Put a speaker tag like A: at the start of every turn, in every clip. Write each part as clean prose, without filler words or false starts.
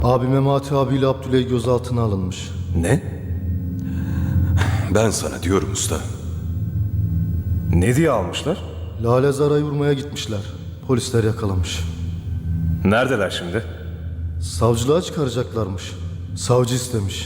A: Abi Memati abiyle Abdüley gözaltına alınmış.
B: Ne? Ben sana diyorum usta.
C: Ne diye almışlar?
A: Lale Zara'yı vurmaya gitmişler. Polisler yakalamış.
C: Neredeler şimdi?
A: Savcılığa çıkaracaklarmış. Savcı istemiş.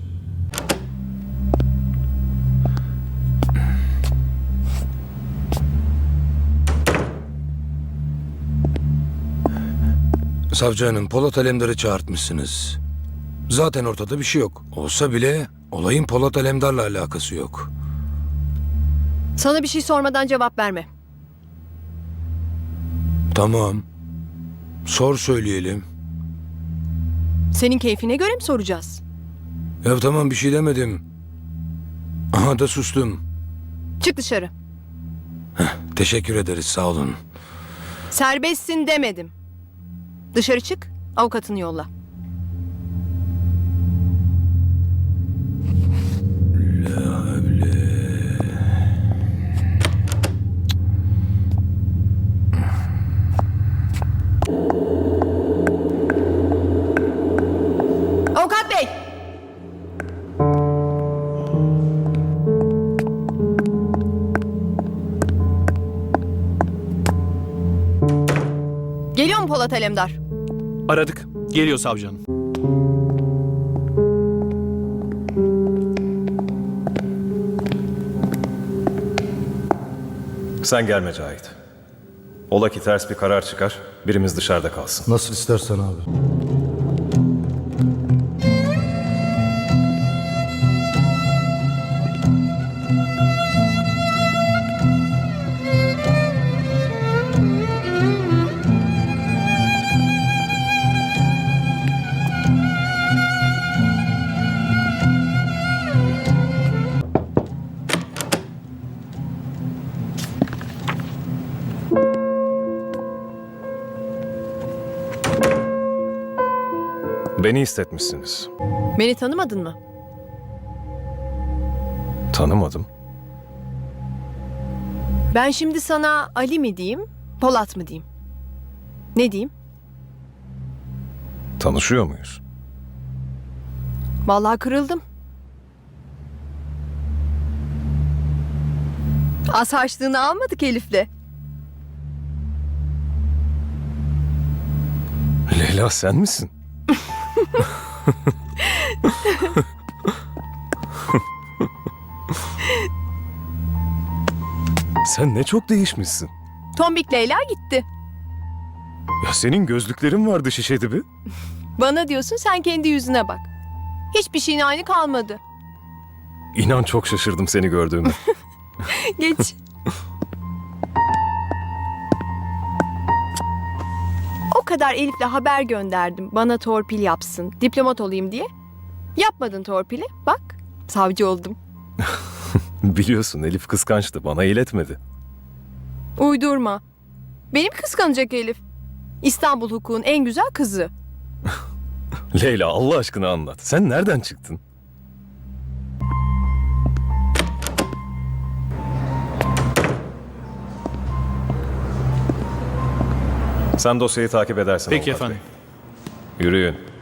D: Savcı hanım, Polat Alemdar'ı çağırtmışsınız. Zaten ortada bir şey yok. Olsa bile olayın Polat Alemdar'la alakası yok.
E: Sana bir şey sormadan cevap verme.
D: Tamam. Sor söyleyelim.
E: Senin keyfine göre mi soracağız?
D: Ya tamam bir şey demedim. Aha da sustum.
E: Çık dışarı.
D: Teşekkür ederiz sağ olun.
E: Serbestsin demedim. Dışarı çık, avukatını yolla. Avukat bey! Geliyor mu Polat Alemdar?
F: Aradık. Geliyor savcı hanım.
C: Sen gelme Cahit. Ola ki ters bir karar çıkar, birimiz dışarıda kalsın.
A: Nasıl istersen abi.
C: Beni istetmişsiniz.
E: Beni tanımadın mı?
C: Tanımadım.
E: Ben şimdi sana Ali mi diyeyim, Polat mı diyeyim? Ne diyeyim?
C: Tanışıyor muyuz?
E: Vallahi kırıldım. Az harçlığını almadık Elif'le.
C: Leyla sen misin? Sen ne çok değişmişsin.
E: Tombik Leyla gitti.
C: Ya senin gözlüklerin vardı şişe dibi.
E: Bana diyorsun, sen kendi yüzüne bak. Hiçbir şeyin aynı kalmadı.
C: İnan çok şaşırdım seni gördüğüme.
E: Geç. O kadar Elif'le haber gönderdim. Bana torpil yapsın, diplomat olayım diye. Yapmadın torpili. Bak, savcı oldum.
C: Biliyorsun Elif kıskançtı, bana iletmedi.
E: Uydurma. Benim kıskanacak Elif. İstanbul hukukun en güzel kızı.
C: Leyla Allah aşkına anlat. Sen nereden çıktın? Sen dosyayı takip edersen.
F: Peki
C: Avukat
F: efendim.
C: Bey. Yürüyün.